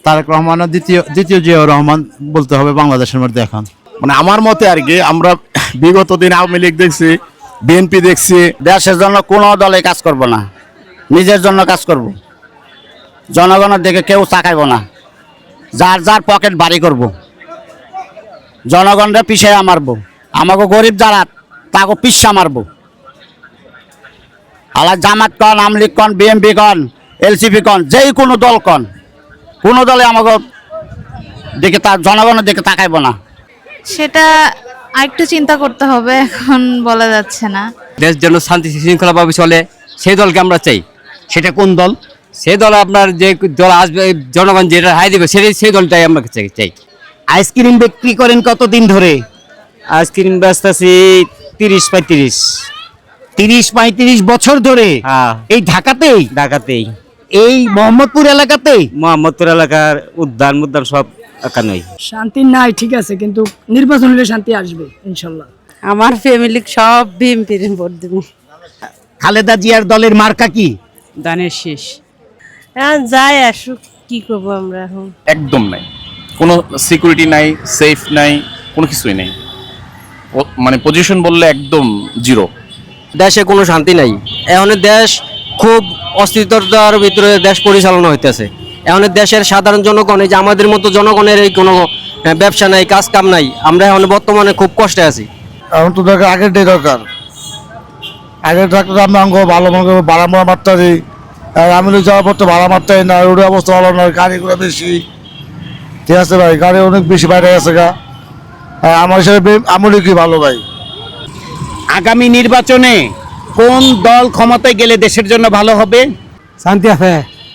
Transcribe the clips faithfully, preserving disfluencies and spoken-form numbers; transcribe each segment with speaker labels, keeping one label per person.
Speaker 1: তারেক রহমানের দ্বিতীয় দ্বিতীয় জিয়াউর রহমান বলতে হবে বাংলাদেশের মধ্যে এখন।
Speaker 2: মানে আমার মতে আর কি, আমরা বিগত দিন আওয়ামী লীগ দেখছি, বিএনপি দেখছি।
Speaker 3: দেশের জন্য কোনো দলে কাজ করব না, নিজের জন্য কাজ করব। জনগণের দিকে কেউ তাকাইব না, যার যার পকেট ভারী করব, জনগণরে পিছিয়ে মারবো, আমাকে গরিব যারা তাকে পিসা মারবো। আলা জামাত কন, আওয়ামী লীগ কন, বিএনপি কন, এলসিপি কন, যেই কোনো দল কন, কোনো দলে আমাকে দিকে তার জনগণের দিকে তাকাইব না।
Speaker 4: সেটা আরেকটু চিন্তা করতে হবে, এখন বলা যাচ্ছে না।
Speaker 5: দেশ যেন শান্তি শৃঙ্খলাভাবে চলে, সেই দলকে আমরা চাই।
Speaker 3: সেটা কোন দল?
Speaker 5: সেই দল আপনার যে দল আসবে, জনগণ যেটা হাই দেবে, সেটাই সেই দলটাই আমরা চাই চাই
Speaker 3: আইসক্রিম বিক্রি করেন কতদিন ধরে?
Speaker 5: আইসক্রিম ব্যস্ত আছি তিরিশ পঁয়ত্রিশ
Speaker 3: তিরিশ পঁয়ত্রিশ বছর ধরে
Speaker 5: হ্যাঁ
Speaker 3: এই ঢাকাতেই,
Speaker 5: ঢাকাতেই,
Speaker 3: এই মোহাম্মদপুর এলাকাতেই?
Speaker 5: মোহাম্মদপুর এলাকার উদ্যান মুদ্যান সব এখানেই।
Speaker 6: শান্তি নাই, ঠিক আছে, কিন্তু নির্বাচন হলে শান্তি আসবে ইনশাল্লাহ।
Speaker 7: আমার ফ্যামিলি সব বিএনপির ভোট দেব।
Speaker 3: খালেদা জিয়ার দলের মার্কা কি?
Speaker 7: দানের শেষ। হ্যাঁ, যাই আসুক, কি করবো আমরা এখন।
Speaker 2: একদম নাই, কোনো সিকিউরিটি নাই, সেফ নাই, কোনো কিছুই নেই। ও- মানে পজিশন বললে একদম জিরো।
Speaker 5: দেশে কোনো শান্তি নাই। এখন দেশ খুব অস্থিরতার ভিতরে দেশ পরিচালনা হইতেছে। এখন দেশের সাধারণ জনগণ, এই যে আমাদের মতো জনগণের এই কোনো আহ, ব্যবসা নাই, কাজ কাম নাই, আমরা এখন বর্তমানে খুব কষ্টে আছি।
Speaker 8: এখন তো দরকার, আগেরটাই দরকার। আগের থাকলে আমরা অঙ্গ ভালো মনে করবো, ভাড়া মারা মারতে পারি। আর আমি যাওয়ার পর তো ভাড়া মারতেই না, রোডের অবস্থা ভালো নয়, গাড়িগুলো বেশি। ঠিক আছে ভাই, গাড়ি অনেক বেশি বাইরে গেছে গা। আর আমার হিসাবে আমলি কি ভালো ভাই।
Speaker 3: আগামী নির্বাচনে কোন দল ক্ষমতায় গেলে দেশের জন্য ভালো হবে?
Speaker 6: শান্তি আছে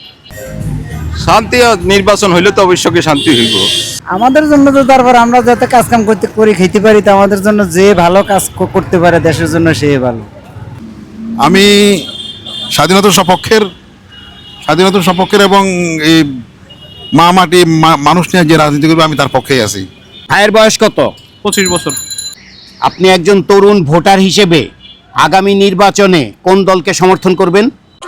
Speaker 2: শান্তি নির্বাচন হইলে তো অবশ্যই শান্তি হইব।
Speaker 9: আমাদের জন্য তো তারপর আমরা যাতে কাজ কাম করতে করে খেতে পারি, তো আমাদের জন্য যে ভালো কাজ ক- করতে পারে দেশের জন্য সে ভালো।
Speaker 8: আমি স্বাধীনতার সপক্ষের স্বাধীনতার সপক্ষের এবং এই মা মাটি মানুষ নিয়ে যে রাজনীতি করবে, আমি তার পক্ষেই আছি।
Speaker 3: ভাইয়ের বয়স কত?
Speaker 2: পঁচিশ বছর।
Speaker 3: আপনি একজন তরুণ ভোটার হিসেবে আগামী নির্বাচনে কোন দলকে সমর্থন করবেন?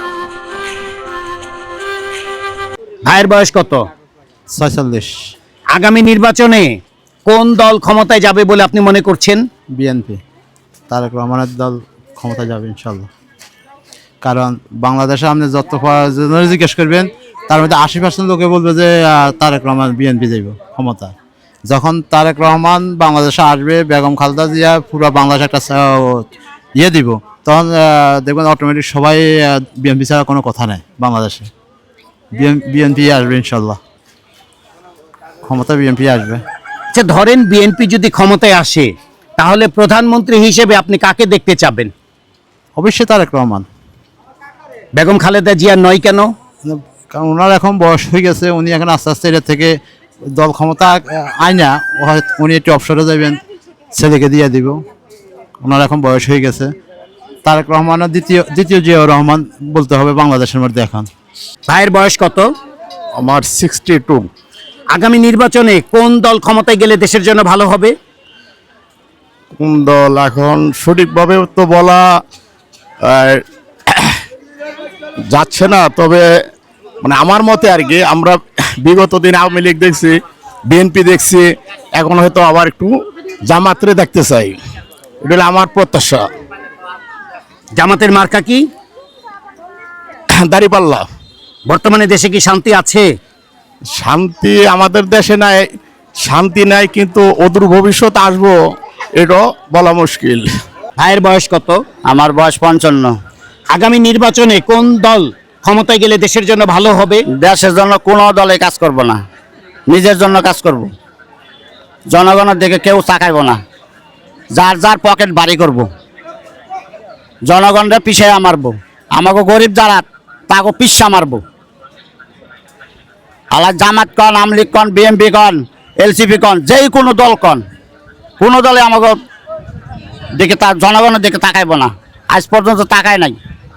Speaker 3: ভাইয়ের বয়স কত?
Speaker 1: ছয়চল্লিশ।
Speaker 3: আগামী নির্বাচনে কোন দল ক্ষমতায় যাবে বলে আপনি মনে করছেন?
Speaker 1: বিএনপি, তারেক রহমানের দল ক্ষমতা যাবে ইনশাল্লাহ। কারণ বাংলাদেশে আপনি যত জনের জিজ্ঞেস করবেন, তার মধ্যে আশি পার্সেন্ট লোকে বলবে যে আহ, তারেক রহমান বিএনপি যাইব ক্ষমতা। যখন তারেক রহমান বাংলাদেশে আসবে, বেগম খালেদা জিয়া পুরো বাংলাদেশে একটা আহ, ইয়ে দিব, তখন আহ, দেখবেন অটোমেটিক সবাই বিএনপি ছাড়া কোনো কথা নেই বাংলাদেশে। বিএনপি আসবে ইনশাল্লাহ, ক্ষমতা বিএনপি আসবে।
Speaker 3: আচ্ছা, ধরেন বিএনপি যদি ক্ষমতায় আসে, তাহলে প্রধানমন্ত্রী হিসেবে আপনি কাকে দেখতে চাবেন?
Speaker 1: অবশ্যই তারেক রহমান।
Speaker 3: বেগম খালেদা জিয়া নয় কেন?
Speaker 1: কারণ ওনার এখন বয়স হয়ে গেছে, উনি এখন আস্তে আস্তে এটা থেকে দল ক্ষমতা আয় না, উনি একটু অবসরে যাবেন, ছেলেকে দিয়ে দিব। ওনার এখন বয়স হয়ে গেছে। তারেক রহমানের দ্বিতীয় দ্বিতীয় জিয়াউর রহমান বলতে হবে বাংলাদেশের মধ্যে এখন।
Speaker 3: ভাইয়ের বয়স কত?
Speaker 2: আমার সিক্সটি টু।
Speaker 3: আগামী নির্বাচনে কোন দল ক্ষমতায় গেলে দেশের জন্য ভালো হবে?
Speaker 2: কোন দল এখন সঠিকভাবে তো বলা আহ, যাচ্ছে না, তবে মানে আমার মতে আর কি, আমরা বিগত দিন আওয়ামী লীগ দেখছি, বিএনপি দেখছি, এখন হয়তো আবার একটু জামাতরে দেখতে চাই। এটা হলো আমার প্রত্যাশা।
Speaker 3: জামাতের মার্কা কি?
Speaker 2: দাঁড়িপাল্লা।
Speaker 3: বর্তমানে দেশে কি শান্তি আছে?
Speaker 2: শান্তি আমাদের দেশে নাই, শান্তি নাই, কিন্তু অদূর ভবিষ্যৎ আসবো এটা বলা মুশকিল।
Speaker 3: ভাইয়ের বয়স কত?
Speaker 9: আমার বয়স পঞ্চান্ন।
Speaker 3: আগামী নির্বাচনে কোন দল ক্ষমতায় গেলে দেশের জন্য ভালো হবে?
Speaker 9: দেশের জন্য কোনো দলে কাজ করব না, নিজের জন্য কাজ করব। জনগণের দিকে কেউ তাকাইব না, যার যার পকেট ভারী করব, জনগণরে পিছিয়ে মারবো, আমাকে গরিব যারা তাকে পিসা মারবো। আলা জামাত কন, আওয়ামী লীগ কন, বিএনপি কন, এলসিপি কন, যেই কোনো দল কন, কোনো দলে আমাকে দিকে তার জনগণের দিকে তাকাইব না, আজ পর্যন্ত তাকায় নাই।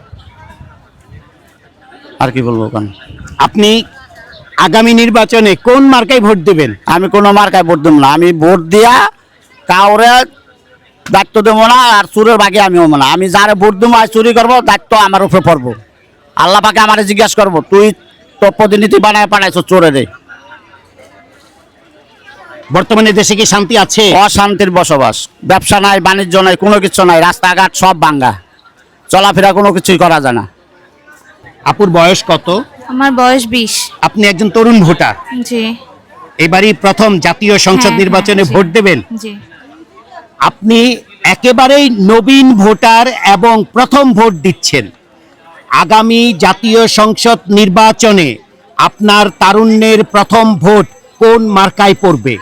Speaker 9: আর কি বলবো কেন?
Speaker 3: আপনি আগামী নির্বাচনে কোন মার্কায় ভোট দেবেন?
Speaker 9: আমি কোনো মার্কায় ভোট দেবো না, আমি ভোট দিয়া কাউরে দায়িত্ব দেবো না, আর চুরের বাকি আমিও না। আমি যারে ভোট দেবো আর চুরি করবো, দায়িত্ব আমার উপরে পড়বো। আল্লাহ পাকে আমারে জিজ্ঞাসা করবো, তুই তোর প্রতিনিধি বানায় পাঠাইছো চোরে রে,
Speaker 2: বর্তমানে দেশে কি শান্তি আছে?
Speaker 3: অশান্তির বসবাস, ব্যবসা নাই, বাণিজ্য নাই, কোনো কিছু নাই, রাস্তাঘাট সব ভাঙ্গা, চলাফেরা কোনো কিছুই করা যায় না।
Speaker 2: আপুর বয়স কত?
Speaker 4: আমার বয়স বিশ।
Speaker 2: আপনি একজন তরুণ ভোটার,
Speaker 4: জি।
Speaker 2: এবারই প্রথম জাতীয় সংসদ
Speaker 4: হ্যাঁ,
Speaker 2: নির্বাচনে
Speaker 4: হ্যাঁ, জি।
Speaker 2: ভোট দেবেন।
Speaker 4: জি।
Speaker 2: আপনি একেবারেই নবীন ভোটার এবং প্রথম ভোট দিচ্ছেন। আগামী জাতীয় সংসদ নির্বাচনে আপনার তারুণ্যের প্রথম ভোট কোন মার্কায় পড়বে?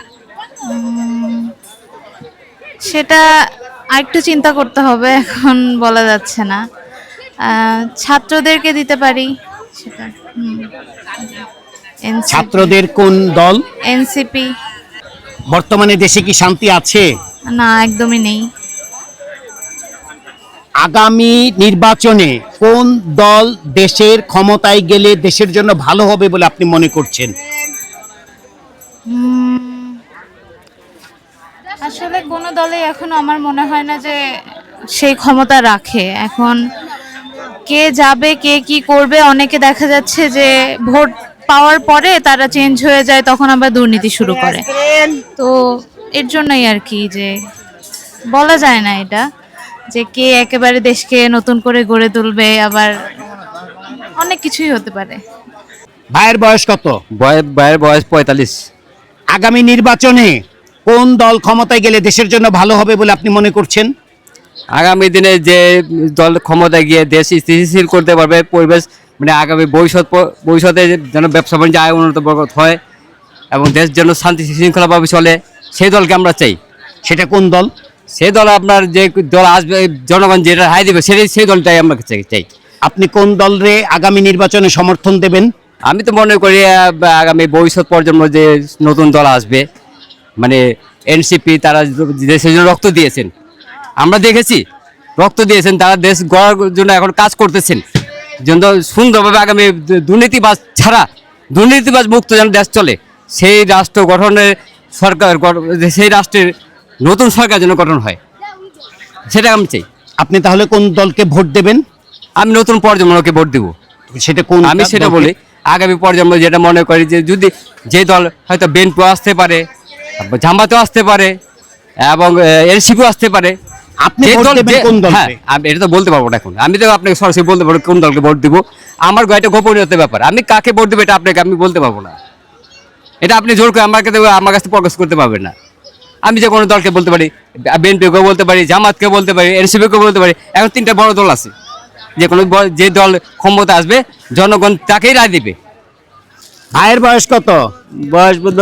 Speaker 4: সেটা আরেকটু চিন্তা করতে হবে, এখন বলা যাচ্ছে না। আহ, ছাত্রদেরকে দিতে পারি সেটা।
Speaker 2: ছাত্রদের কোন দল?
Speaker 4: এনসিপি।
Speaker 2: বর্তমানে দেশে কি শান্তি আছে?
Speaker 4: না, একদমই নেই।
Speaker 2: আগামী নির্বাচনে কোন দল দেশের ক্ষমতায় গেলে দেশের জন্য ভালো হবে বলে আপনি মনে করছেন?
Speaker 4: উম, আসলে কোনো দলে এখনো আমার মনে হয় না যে সেই ক্ষমতা রাখে। এখন কে যাবে, কে কি করবে, অনেকে দেখা যাচ্ছে যে ভোট পাওয়ার পরে তারা চেঞ্জ হয়ে যায়, তখন আবার দুর্নীতি শুরু করে। তো এর জন্যই আর কি, যে বলা যায় না এটা যে কে একেবারে দেশকে নতুন করে গড়ে তুলবে, আবার অনেক কিছুই হতে পারে।
Speaker 2: ভাইয়ের বয়স কত?
Speaker 5: ভাইয়ের বয়স পঁয়তাল্লিশ।
Speaker 2: আগামী নির্বাচনে কোন দল ক্ষমতায় গেলে দেশের জন্য ভালো হবে বলে আপনি মনে করছেন?
Speaker 5: আগামী দিনে যে দল ক্ষমতায় গিয়ে দেশ স্থিতিশীল করতে পারবে, পরিবেশ মানে আগামী ভবিষ্যৎ ভবিষ্যতে যেন ব্যবসা বাণিজ্য আয় উন্নত হয় এবং দেশ যেন শান্তি শৃঙ্খলাভাবে চলে, সেই দলকে আমরা চাই।
Speaker 2: সেটা কোন দল?
Speaker 5: সেই দল আপনার যে দল আসবে, জনগণ যেটা রায় দেবে সেটাই সেই দলটাই আমরা চাই চাই
Speaker 2: আপনি কোন দলরে আগামী নির্বাচনে সমর্থন দেবেন?
Speaker 5: আমি তো মনে করি আহ, আগামী ভবিষ্যৎ প্রজন্ম যে নতুন দল আসবে, মানে এনসিপি, তারা দেশের জন্য রক্ত দিয়েছেন, আমরা দেখেছি রক্ত দিয়েছেন, তারা দেশ গড়ার জন্য এখন কাজ করতেছেন, যেন সুন্দরভাবে আগামী দুর্নীতিবাজ ছাড়া, দুর্নীতিবাজ মুক্ত যেন দেশ চলে, সেই রাষ্ট্র গঠনের সরকার, সেই রাষ্ট্রের নতুন সরকার যেন গঠন হয়, সেটা আমি চাই।
Speaker 2: আপনি তাহলে কোন দলকে ভোট দেবেন?
Speaker 5: আমি নতুন প্রজন্মকে ভোট দেবো।
Speaker 2: সেটা কোন?
Speaker 5: আমি সেটা বলি, আগামী প্রজন্ম যেটা মনে করি যে যদি যে দল হয়তো বিএনপিও আসতে পারে, জামাতেও আসতে পারে এবং এনসিপিও আসতে পারে,
Speaker 2: আপনি
Speaker 5: যে
Speaker 2: ভোট
Speaker 5: দল-
Speaker 2: দেবেন
Speaker 5: যে-
Speaker 2: কোন দলকে?
Speaker 5: হ্যাঁ, আমি এটা তো বলতে পারবো না এখন, আমি তো আপনাকে সরাসরি বলতে পারবো কোন দলকে ভোট দিব। আমার এটা গোপনীয়তার ব্যাপার, আমি কাকে ভোট দেবো এটা আপনাকে আমি বলতে পারবো না। এটা আপনি জোর করে আমাকে দেবো, আমার কাছে প্রকাশ করতে পারবেন না। আমি যে কোনো দলকে বলতে পারি, বিএনপিকে বলতে পারি, জামাতকে বলতে পারি, এনসিপিকে বলতে পারি। এখন তিনটা বড় দল আছে, যে কোনো ব- যে দল ক্ষমতা আসবে জনগণ তাকেই রায় দিবে।
Speaker 2: ভাইয়ের বয়স কত?
Speaker 5: বয়স বোধ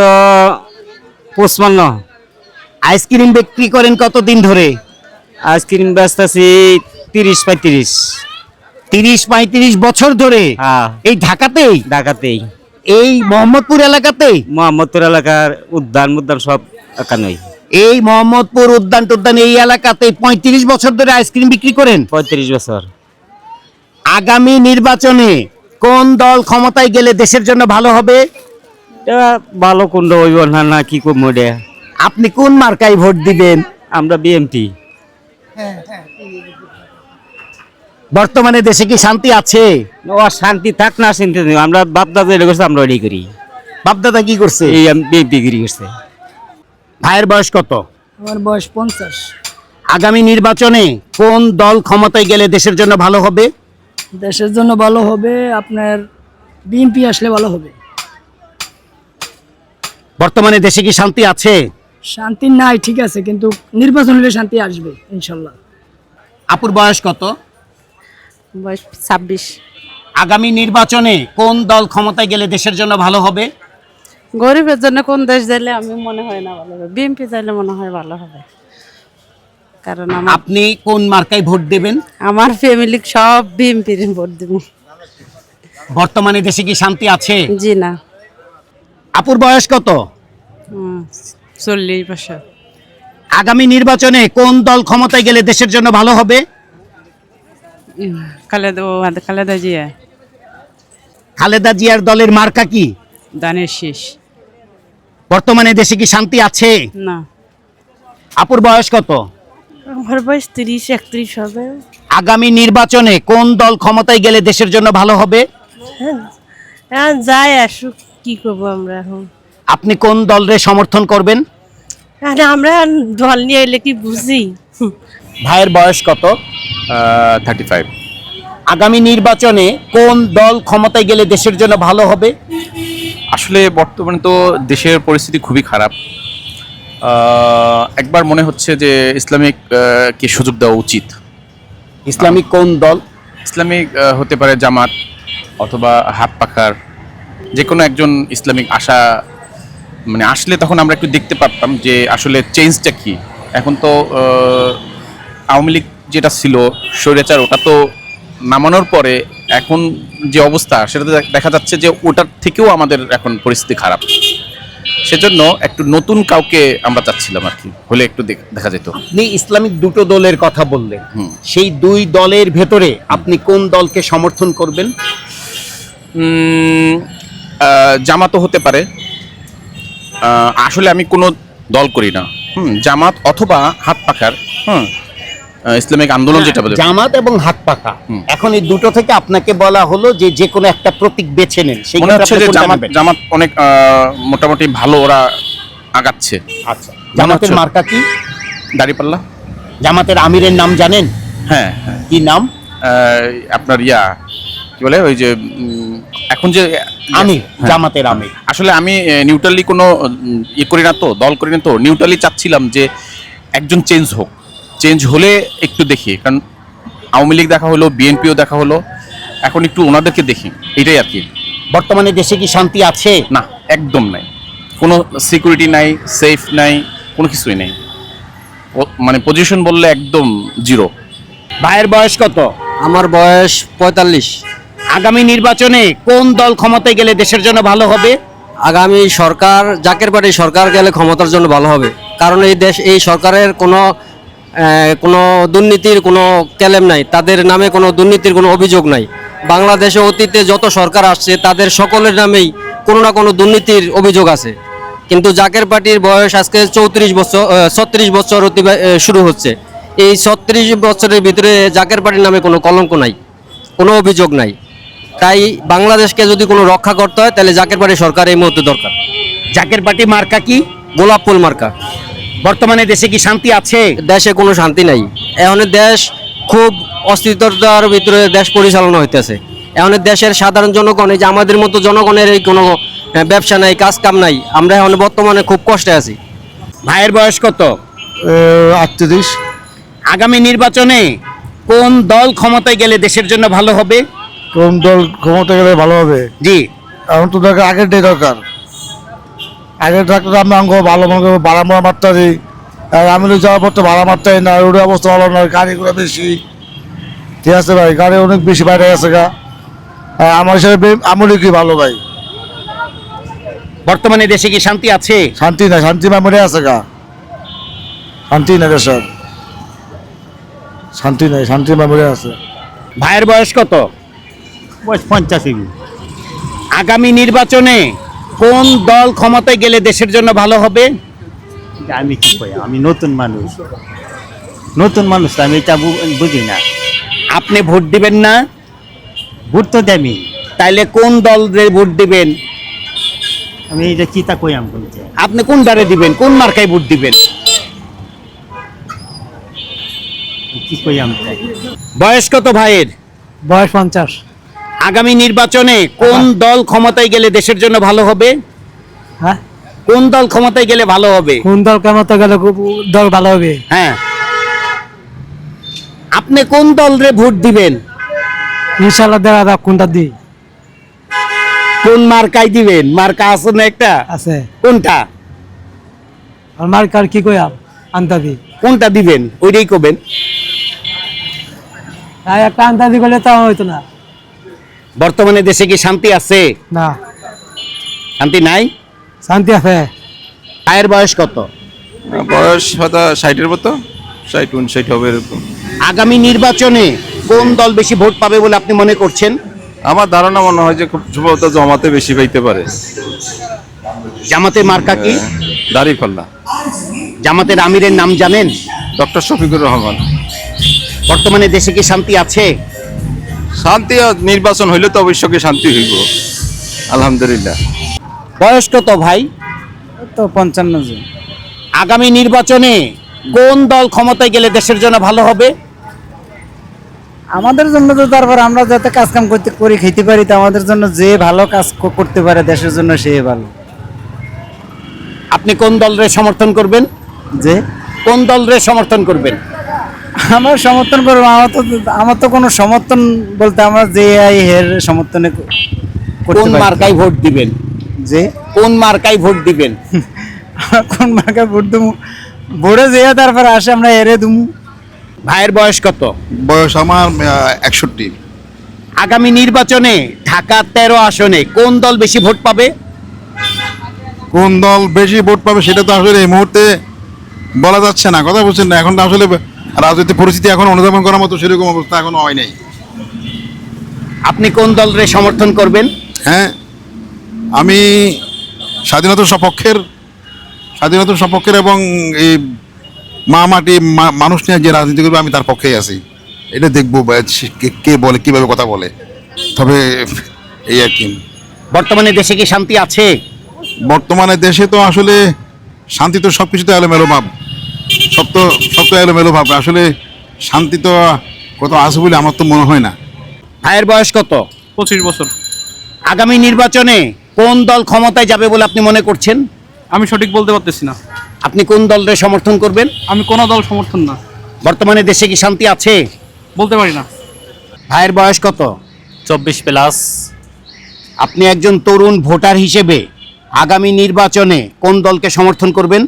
Speaker 5: পঁচপান্ন।
Speaker 2: আইসক্রিম বিক্রি করেন কতদিন ধরে?
Speaker 5: আইসক্রিম ব্যস্ত আছি তিরিশ পঁয়ত্রিশ।
Speaker 2: তিরিশ পঁয়ত্রিশ বছর ধরে?
Speaker 5: হ্যাঁ,
Speaker 2: এই ঢাকাতেই?
Speaker 5: ঢাকাতেই,
Speaker 2: এই মোহাম্মদপুর এলাকাতেই?
Speaker 5: মোহাম্মদপুর এলাকার উদ্যান মুদ্যান সব একানই।
Speaker 2: এই মোহাম্মদপুর উদ্যান টুদ্যান এই এলাকাতে পঁয়ত্রিশ বছর ধরে আইসক্রিম বিক্রি করেন?
Speaker 5: পঁয়ত্রিশ বছর।
Speaker 2: আগামী নির্বাচনে কোন দল ক্ষমতায় গেলে দেশের জন্য ভালো হবে?
Speaker 5: এটা ভালো কোনটা হইব না না কি করবো এটা।
Speaker 2: আপনি কোন মার্কায় ভোট দিবেন?
Speaker 5: আমরা বিএমপি।
Speaker 2: বর্তমানে দেশে কি শান্তি আছে?
Speaker 5: ও শান্তি থাক না শান্তি নেই, আমরা বাপদাদা এটা করছে, আমরা এটাই করি।
Speaker 2: বাপদাদা কি করছে?
Speaker 5: এই বিএমপি গিরি করছে।
Speaker 2: ভাইয়ের বয়স কত?
Speaker 6: আমার বয়স পঞ্চাশ।
Speaker 2: আগামী নির্বাচনে কোন দল ক্ষমতায় গেলে দেশের জন্য ভালো হবে?
Speaker 6: দেশের জন্য ভালো হবে আপনার বিএনপি আসলে ভালো হবে।
Speaker 2: বর্তমানে দেশে কি শান্তি আছে?
Speaker 6: শান্তি নাই ঠিক আছে, কিন্তু নির্বাচন হলে শান্তি আসবে ইনশাল্লাহ।
Speaker 2: আপুর বয়স কত?
Speaker 7: বয়স ছাব্বিশ।
Speaker 2: আগামী নির্বাচনে কোন দল ক্ষমতায় গেলে দেশের জন্য ভালো হবে?
Speaker 7: গরিবের জন্য কোন দেশ যাইলে আমি মনে হয় না ভালো হবে, বিএনপি যাইলে মনে হয় ভালো হবে। কারণ আমার
Speaker 2: আপনি কোন মার্কায় ভোট দেবেন?
Speaker 7: আমার ফ্যামিলি সব বিএনপির ভোট দিব।
Speaker 2: বর্তমানে দেশে কি শান্তি আছে?
Speaker 7: জি না।
Speaker 2: আপুর বয়স কত?
Speaker 7: চল্লিশ বছর।
Speaker 2: আগামী নির্বাচনে কোন দল ক্ষমতায় গেলে দেশের জন্য ভালো হবে?
Speaker 7: খালেদা খালেদা জিয়া।
Speaker 2: খালেদা জিয়ার দলের মার্কা কি?
Speaker 7: দানের শেষ।
Speaker 2: বর্তমানে দেশে কি শান্তি আছে?
Speaker 7: না।
Speaker 2: আপুর বয়স কত?
Speaker 7: আমার বয়স তিরিশ একত্রিশ হবে।
Speaker 2: আগামী নির্বাচনে কোন দল ক্ষমতায় গেলে দেশের জন্য ভালো হবে?
Speaker 7: হ্যাঁ, যাই আসুক কি করবো আমরা এখন।
Speaker 2: আপনি কোন দলরে সমর্থন করবেন?
Speaker 7: আরে আমরা দল নিয়ে এলে কি বুঝি?
Speaker 3: ভাইয়ের বয়স কত?
Speaker 2: Thirty five.
Speaker 3: আগামী নির্বাচনে কোন দল ক্ষমতায় গেলে দেশের জন্য ভালো হবে?
Speaker 10: আসলে বর্তমানে তো দেশের পরিস্থিতি খুবই খারাপ। আহ, একবার মনে হচ্ছে যে ইসলামিক আহ, কে সুযোগ দেওয়া উচিত।
Speaker 3: ইসলামিক কোন দল?
Speaker 10: ইসলামিক আহ, হতে পারে জামাত অথবা হাত পাখার যে কোনো একজন ইসলামিক আশা মানে আসলে তখন আমরা একটু দেখতে পারতাম যে আসলে চেঞ্জটা কি। এখন তো আহ, আওয়ামী লীগ যেটা ছিল স্বৈরাচার, ওটা তো নামানোর পরে এখন যে অবস্থা সেটা দেখা যাচ্ছে যে ওটার থেকেও আমাদের এখন পরিস্থিতি খারাপ। সেজন্য একটু নতুন কাউকে আমরা চাচ্ছিলাম আর কি, হলে একটু দেখ- দেখা যেত।
Speaker 3: আপনি ইসলামিক দুটো দলের কথা বললেন,
Speaker 10: হুম।
Speaker 3: সেই দুই দলের ভেতরে আপনি কোন দলকে সমর্থন করবেন?
Speaker 10: উম, আহ, জামাতও হতে পারে। আহ, আসলে আমি কোনো দল করি না। হুম, জামাত অথবা হাত পাখার হুম আহ, ইসলামিক আন্দোলন যেটা বলে।
Speaker 3: জামাত এবং হাত পাখা,
Speaker 10: হুম।
Speaker 3: এখন এই দুটো থেকে আপনাকে বলা হলো যে যে কোনো একটা প্রতীক বেছে নেন, সেই
Speaker 10: মনে
Speaker 3: ক্ষেত্রে
Speaker 10: হচ্ছে
Speaker 3: আপনি
Speaker 10: যে
Speaker 3: কোনটা
Speaker 10: জামাত
Speaker 3: নেবেন?
Speaker 10: জামাত অনেক আহ, মোটামুটি ভালো ওরা আগাচ্ছে।
Speaker 3: আচ্ছা, জামাতের
Speaker 10: হচ্ছে।
Speaker 3: মার্কা কি?
Speaker 10: দাঁড়িপাল্লা।
Speaker 3: জামাতের আমিরের নাম জানেন?
Speaker 10: হ্যাঁ হ্যাঁ।
Speaker 3: কি নাম?
Speaker 10: আহ, আপনার ইয়া কি বলে ওই যে উম, এখন যে
Speaker 3: আমির,
Speaker 10: হ্যাঁ।
Speaker 3: জামাতের আমির।
Speaker 10: আসলে আমি নিউট্রালি কোনো উম, ইয়ে করি না তো, দল করি না তো, নিউট্রালি চাচ্ছিলাম যে একজন চেঞ্জ হোক। চেঞ্জ হলে একটু দেখি, কারণ আওয়ামী লীগ দেখা হলো, বিএনপিও দেখা হলো, এখন একটু ওনাদেরকে দেখি, এটাই আর কি।
Speaker 3: বর্তমানে দেশে কি শান্তি আছে?
Speaker 10: না, একদম নাই, কোনো সিকিউরিটি নাই, সেফ নাই, কোনো কিছুই নেই। ও- মানে পজিশন বললে একদম জিরো।
Speaker 3: ভাইয়ের বয়স কত?
Speaker 5: আমার বয়স পঁয়তাল্লিশ।
Speaker 3: আগামী নির্বাচনে কোন দল ক্ষমতায় গেলে দেশের জন্য ভালো হবে?
Speaker 5: আগামী সরকার জাকের পার্টি সরকার গেলে ক্ষমতার জন্য ভালো হবে, কারণ এই দেশ এই সরকারের কোনো আহ, কোনো দুর্নীতির কোনো ক্লেম নাই, তাদের নামে কোনো দুর্নীতির কোনো অভিযোগ নাই। বাংলাদেশে অতীতে যত সরকার আসছে তাদের সকলের নামেই কোনো না কোনো দুর্নীতির অভিযোগ আছে, কিন্তু জাকের পার্টির বয়স আজকে চৌত্রিশ বছর ছত্রিশ বছর অতিবা আহ, শুরু হচ্ছে। এই ছত্রিশ বছরের ভিতরে জাকের পার্টির নামে কোনো কলঙ্ক নাই, কোনো অভিযোগ নাই। তাই বাংলাদেশকে যদি কোনো রক্ষা করতে হয় তাহলে জাকের পার্টি সরকার এই মুহূর্তে দরকার।
Speaker 3: জাকের পার্টি মার্কা কি?
Speaker 5: গোলাপ ফুল মার্কা।
Speaker 3: বর্তমানে দেশে কি শান্তি আছে?
Speaker 5: দেশে কোনো শান্তি নাই, এখন দেশ খুব অস্থিরতার ভিতরে দেশ পরিচালনা হইতেছে। এখন দেশের সাধারণ জনগণ, এই যে আমাদের মতো জনগণের এই কোনো আহ, ব্যবসা নাই, কাজ কাম নাই, আমরা এখন বর্তমানে খুব কষ্টে আছি।
Speaker 3: ভাইয়ের বয়স কত?
Speaker 8: আটত্রিশ।
Speaker 3: আগামী নির্বাচনে কোন দল ক্ষমতায় গেলে দেশের জন্য ভালো হবে?
Speaker 8: কোন দল ক্ষমতা গেলে ভালো হবে?
Speaker 3: জি,
Speaker 8: এখন তো দরকার আগেরটাই দরকার। আগের ডাক্তার আমরা অঙ্গ ভালো মনে করবো, ভাড়া মারা মারতে পারি। আর আমি যাওয়ার পর তো ভাড়া মারতে না, রোডের অবস্থা ভালো না, গাড়িগুলো বেশি। ঠিক আছে ভাই, গাড়ি অনেক বেশি বাইরে গেছে গা। আর আমার হিসাবে আমলি কি ভালো ভাই।
Speaker 3: বর্তমানে দেশে কি শান্তি আছে?
Speaker 8: শান্তি নাই, শান্তি মরে আছে গা। শান্তি নাই দেশের, শান্তি নাই, শান্তি মরে আছে।
Speaker 3: ভাইয়ের বয়স কত?
Speaker 9: বয়স পঞ্চাশি।
Speaker 3: আগামী নির্বাচনে কোন দল ক্ষমতায় গেলে দেশের জন্য ভালো হবে?
Speaker 9: আমি কি কই, আমি নতুন মানুষ, নতুন মানুষ তো আমি এটা বু- বুঝি না।
Speaker 3: আপনি ভোট দিবেন না?
Speaker 9: ভোট তো দেমি,
Speaker 3: তাইলে কোন দলের ভোট দিবেন?
Speaker 9: আমি এটা চিতা কই আমি বলছি।
Speaker 3: আপনি কোন দলে দিবেন? কোন মার্কায় ভোট দিবেন?
Speaker 9: কি কই আমি?
Speaker 3: বয়স কত ভাইয়ের?
Speaker 6: বয়স পঞ্চাশ।
Speaker 3: আগামী নির্বাচনে কোন দল ক্ষমতায় গেলে দেশের জন্য ভালো হবে?
Speaker 6: হ্যাঁ,
Speaker 3: কোন দল ক্ষমতায় গেলে ভালো হবে?
Speaker 6: কোন দল কেমন গেলে দল ভালো হবে?
Speaker 3: হ্যাঁ, আপনি কোন দলরে ভোট দিবেন?
Speaker 6: ইনশাল্লাহ দেখা যাক কোনটা দিই।
Speaker 3: কোন মার্কায় দিবেন? মার্কা আছে না একটা?
Speaker 6: আছে
Speaker 3: কোনটা?
Speaker 6: আর মার্কার কি কই আনতা দি,
Speaker 3: কোনটা দিবেন ওইটাই কবেন।
Speaker 6: তাই একটা আনতা দি গেলে তা হইতো না।
Speaker 3: বর্তমানে দেশে কি শান্তি আছে?
Speaker 6: না,
Speaker 3: শান্তি নাই।
Speaker 6: শান্তি আছে।
Speaker 3: আয়ের বয়স কত?
Speaker 10: বয়স হয়তো ষাটের মতো, ষাট উনষাট হবে এরকম।
Speaker 3: আগামী নির্বাচনে কোন দল বেশি ভোট পাবে বলে আপনি মনে করছেন?
Speaker 10: আমার ধারণা মনে হয় যে খুব সম্ভবত জমাতে বেশি পাইতে পারে।
Speaker 3: জামাতের মার্কা কি?
Speaker 10: দাঁড়িপাল্লা।
Speaker 3: জামাতের আমিরের নাম জানেন?
Speaker 10: ডক্টর শফিকুর রহমান।
Speaker 3: বর্তমানে দেশে কি শান্তি আছে?
Speaker 10: শান্তি নির্বাচন হইলে তো অবশ্যই শান্তি হইব, আলহামদুলিল্লাহ।
Speaker 3: বয়স কত ভাই?
Speaker 6: তো পঞ্চান্ন জন।
Speaker 3: আগামী নির্বাচনে কোন দল ক্ষমতায় গেলে দেশের জন্য ভালো হবে?
Speaker 9: আমাদের জন্য তো তারপর আমরা যাতে কাজ কাম করতে করে খেতে পারি, তো আমাদের জন্য যে ভালো কাজ ক- করতে পারে দেশের জন্য সে ভালো।
Speaker 3: আপনি কোন দলের সমর্থন করবেন?
Speaker 9: যে
Speaker 3: কোন দলের সমর্থন করবেন?
Speaker 9: আমরা সমর্থন করবো, আমার তো আমার তো কোনো সমর্থন বলতে আমরা যে আই হের সমর্থনে ক- করতে
Speaker 3: কোন
Speaker 9: পারি।
Speaker 3: মার্কায় ভোট দিবেন?
Speaker 9: যে
Speaker 3: কোন মার্কায় ভোট দিবেন?
Speaker 9: আমরা কোন মার্কায় ভোট দেবো, ভোটে যে তারপর আসে আমরা হেরে দেবো।
Speaker 3: ভাইয়ের বয়স কত?
Speaker 8: বয়স আমার একষট্টি।
Speaker 3: আগামী নির্বাচনে ঢাকা তেরো আসনে কোন দল বেশি ভোট পাবে?
Speaker 8: কোন দল বেশি ভোট পাবে সেটা তো আসলে এই মুহূর্তে বলা যাচ্ছে না, কথা বলছেন না। এখন তো আসলে রাজনৈতিক পরিস্থিতি এখন অনুধাবন করার মতো সেরকম অবস্থা এখনো হয় নাই।
Speaker 3: আপনি কোন দলের সমর্থন করবেন?
Speaker 8: হ্যাঁ, আমি স্বাধীনতার সপক্ষের স্বাধীনতার সপক্ষের এবং এই মা মাটি মা- মানুষ নিয়ে যে রাজনীতি করবে আমি তার পক্ষেই আছি। এটা দেখবো বা সে- কে- কে বলে কিভাবে কথা বলে, তবে এই আর কি।
Speaker 3: বর্তমানে দেশে কি শান্তি আছে?
Speaker 8: বর্তমানে দেশে তো আসলে শান্তি তো সব কিছুতে এলোমেলো ভাব, সব তো সব তো এলোমেলো ভাব। আসলে শান্তি তো কত আছে বলে আমার তো মনে হয় না।
Speaker 3: ভাইয়ের বয়স কত?
Speaker 5: পঁচিশ বছর।
Speaker 3: আগামী নির্বাচনে কোন দল ক্ষমতায় যাবে বলে আপনি মনে করছেন?
Speaker 5: আমি সঠিক বলতে পারতেছি না।
Speaker 3: আপনি কোন দলের সমর্থন করবেন?
Speaker 5: আমি কোনো দল সমর্থন না,
Speaker 3: বর্তমানে দেশে কি শান্তি আছে?
Speaker 5: বলতে পারি না।
Speaker 3: ভাইয়ের বয়স কত?
Speaker 5: চব্বিশ প্লাস।
Speaker 3: আপনি একজন তরুণ ভোটার হিসেবে আগামী নির্বাচনে কোন দলকে সমর্থন করবেন?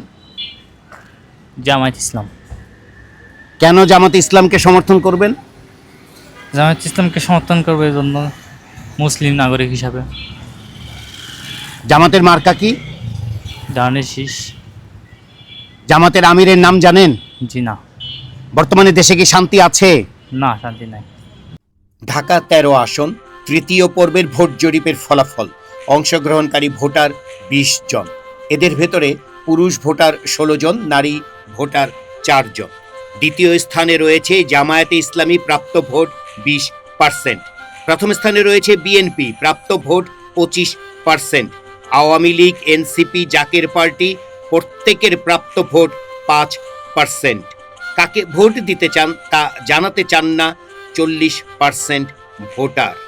Speaker 5: জামায়াত ইসলাম।
Speaker 3: কেন জামাত ইসলামকে সমর্থন করবেন?
Speaker 5: জামায়াত ইসলামকে সমর্থন করবে এই জন্য, মুসলিম নাগরিক হিসাবে।
Speaker 3: জামাতের মার্কা কি?
Speaker 5: ধানের শীষ।
Speaker 3: জামাতের আমিরের নাম জানেন?
Speaker 5: জি না।
Speaker 3: বর্তমানে দেশে কি শান্তি আছে?
Speaker 5: না, শান্তি নাই।
Speaker 3: ঢাকা তেরো আসন তৃতীয় পর্বের ভোট জরিপের ফলাফল। অংশগ্রহণকারী ভোটার বিশ জন, এদের ভেতরে পুরুষ ভোটার ষোলো জন, নারী ভোটার চার জন। দ্বিতীয় স্থানে রয়েছে জামায়াতে ইসলামী, প্রাপ্ত ভোট বিশ পার্সেন্ট। প্রথম স্থানে রয়েছে বিএনপি, প্রাপ্ত ভোট পঁচিশ percent. Awami league, NCP, Zaker party প্রত্যেকের প্রাপ্ত ভোট পাঁচ পার্সেন্ট। কাকে ভোট দিতে চান তা জানাতে চান না চল্লিশ পার্সেন্ট ভোটার।